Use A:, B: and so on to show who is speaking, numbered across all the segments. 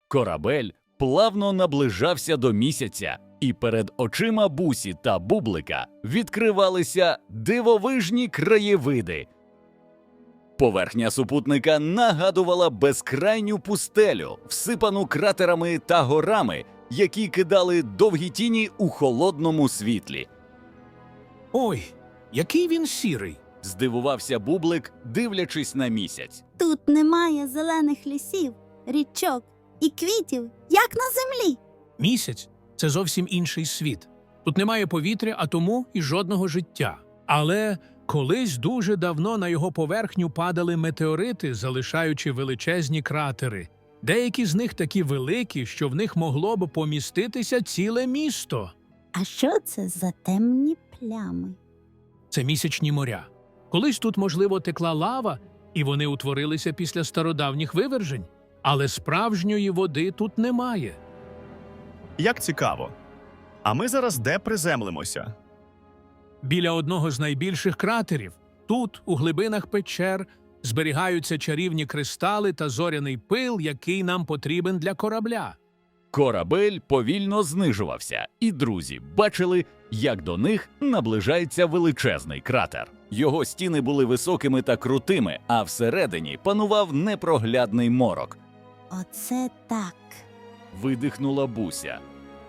A: Корабель плавно наближався до місяця, і перед очима Бусі та Бублика відкривалися дивовижні краєвиди. Поверхня супутника нагадувала безкрайню пустелю, всипану кратерами та горами, які кидали довгі тіні у холодному світлі.
B: Ой, який він сірий!
A: Здивувався Бублик, дивлячись на місяць.
C: Тут немає зелених лісів, річок і квітів, як на землі.
B: Місяць – це зовсім інший світ. Тут немає повітря, а тому і жодного життя. Але колись дуже давно на його поверхню падали метеорити, залишаючи величезні кратери. Деякі з них такі великі, що в них могло б поміститися ціле місто.
C: А що це за темні плями?
B: Це місячні моря. Колись тут, можливо, текла лава, і вони утворилися після стародавніх вивержень. Але справжньої води тут немає.
D: Як цікаво. А ми зараз де приземлимося?
B: Біля одного з найбільших кратерів. Тут, у глибинах печер, зберігаються чарівні кристали та зоряний пил, який нам потрібен для корабля.
A: Корабель повільно знижувався, і друзі бачили, як до них наближається величезний кратер. Його стіни були високими та крутими, а всередині панував непроглядний морок.
C: Оце так.
A: Видихнула Буся.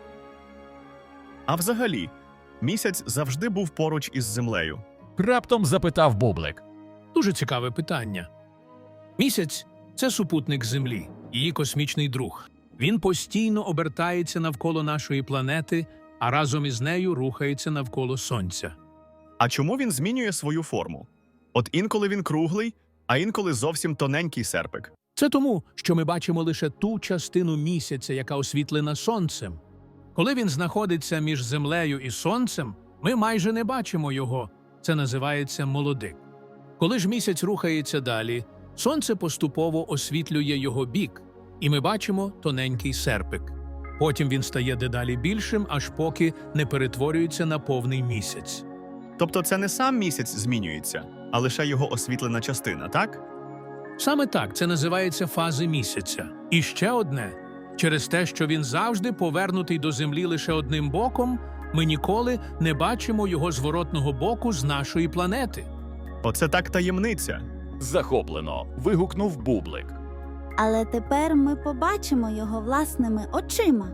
D: А взагалі, місяць завжди був поруч із Землею.
A: Раптом запитав Бублик.
B: Дуже цікаве питання. Місяць – це супутник Землі, її космічний друг. Він постійно обертається навколо нашої планети, а разом із нею рухається навколо Сонця.
D: А чому він змінює свою форму? От інколи він круглий, а інколи зовсім тоненький серпик.
B: Це тому, що ми бачимо лише ту частину місяця, яка освітлена Сонцем. Коли він знаходиться між Землею і Сонцем, ми майже не бачимо його. Це називається молодик. Коли ж місяць рухається далі, Сонце поступово освітлює його бік, і ми бачимо тоненький серпик. Потім він стає дедалі більшим, аж поки не перетворюється на повний місяць.
D: Тобто це не сам місяць змінюється, а лише його освітлена частина, так?
B: Саме так, це називається фази місяця. І ще одне. Через те, що він завжди повернутий до Землі лише одним боком, ми ніколи не бачимо його зворотного боку з нашої планети.
D: Оце так таємниця.
A: Захоплено вигукнув Бублик.
C: Але тепер ми побачимо його власними очима.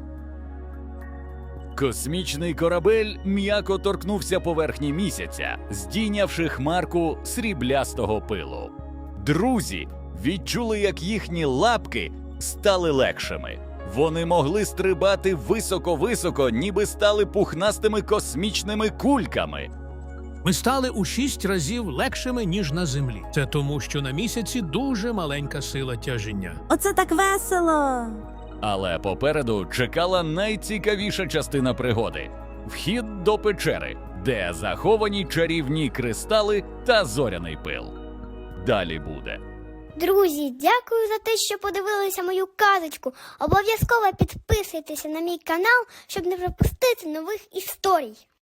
A: Космічний корабель м'яко торкнувся поверхні місяця, здійнявши хмарку сріблястого пилу. Друзі відчули, як їхні лапки стали легшими. Вони могли стрибати високо-високо, ніби стали пухнастими космічними кульками.
B: Ми стали у 6 разів легшими, ніж на Землі. Це тому, що на місяці дуже маленька сила тяжіння.
C: Оце так весело!
A: Але попереду чекала найцікавіша частина пригоди – вхід до печери, де заховані чарівні кристали та зоряний пил. Далі буде.
E: Друзі, дякую за те, що подивилися мою казочку. Обов'язково підписуйтеся на мій канал, щоб не пропустити нових історій.